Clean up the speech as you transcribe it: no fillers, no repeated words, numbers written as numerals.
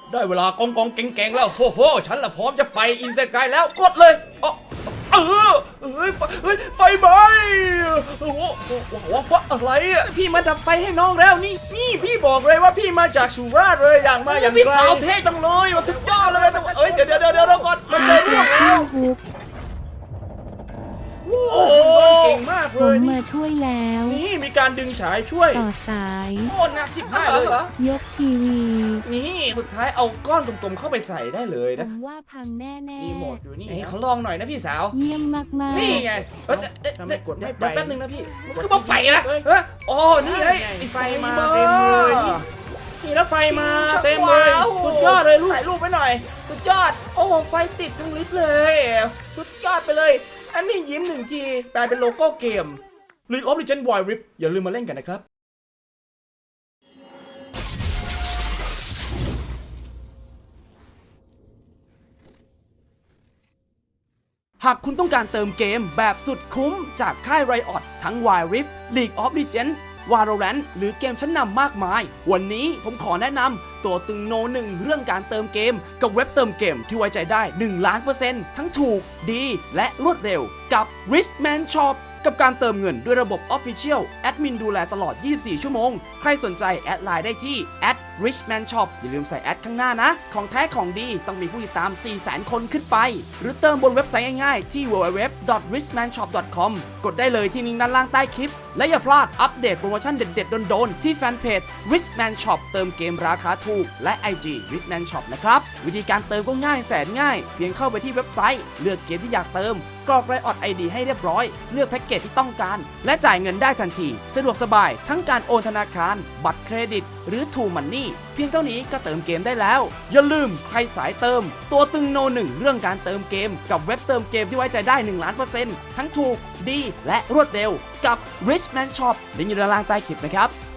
ได้เวลากองเก่งๆแล้วโอ้โหฉันละพร้อมจะไปอินเซกายแล้วกดเลยไฟไหม้โอ้โหว่าอะไรอ่ะพี่มาดับไฟให้น้องแล้วนี่พี่บอกเลยว่าพี่มาจากสุราษฎร์เลยอย่างมาอย่างไรพี่สาวเท่จังเลยสุดยอดเลยเดี๋ยวก่อนมันเลยเรื่องแล้วโอ้เก่งมากเลยผมมาช่วยแล้วนี่มีการดึงสายช่วยต่อสายโอ้หนัก15เลยเหรอยกทีวีนี่สุดท้ายเอาก้อนกลมๆเข้าไปใส่ได้เลยนะผมว่าพังแน่ๆมีโหมดอยู่นี่เขาลองหน่อยนะพี่สาวเยี่ยมมากๆนี่ไงทำไมกดไม่ไปแป๊บนึงนะพี่คือมาไปนะอ๋อนี่ไงไฟมาเต็มเลยนี่แล้วไฟมาเต็มเลยสุดยอดเลยถ่ายรูปไว้หน่อยสุดยอดโอ้ไฟติดทั้งลิฟต์เลยสุดยอดไปเลยอันนี้ยิ้มหนึ่งทีกลายเป็นโลโก้เกม League of Legends Wild Rift อย่าลืมมาเล่นกันนะครับหากคุณต้องการเติมเกมแบบสุดคุ้มจากค่าย Riot ทั้ง Wild Rift League of Legends Valorant หรือเกมชั้นนำมากมายวันนี้ผมขอแนะนำตัวตึงโนหนึ่งเรื่องการเติมเกมกับเว็บเติมเกมที่ไว้ใจได้1,000,000%ทั้งถูกดีและรวดเร็วกับ Richman Shop กับการเติมเงินด้วยระบบ Official แอดมินดูแลตลอด24ชั่วโมงใครสนใจแอดไลน์ได้ที่ @richmanshop อย่าลืมใส่แอดข้างหน้านะของแท้ของดีต้องมีผู้ติดตาม 400,000 คนขึ้นไปหรือเติมบนเว็บไซต์ง่ายๆที่ www.richmanshop.com กดได้เลยที่ลิงก์ด้านล่างใต้คลิปและอย่าพลาดอัปเดตโปรโมชั่นเด็ดๆโดนๆที่แฟนเพจ Richman Shop เติมเกมราคาถูกและ IG Richman Shop นะครับวิธีการเติมก็ง่ายแสนง่ายเพียงเข้าไปที่เว็บไซต์เลือกเกมที่อยากเติมกรอก Riot ID ให้เรียบร้อยเลือกแพ็กเกจที่ต้องการและจ่ายเงินได้ทันทีสะดวกสบายทั้งการโอนธนาคารบัตรเครดิตหรือ True Money เพียงเท่านี้ก็เติมเกมได้แล้วอย่าลืมใครสายเติมตัวตึงโนหนึ่งเรื่องการเติมเกมกับเว็บเติมเกมที่ไว้ใจได้1,000,000%ทั้งถูกดีและรวดเร็วกับ Richman Shop ลิงก์อยู่ด้านล่างใต้คลิปนะครับ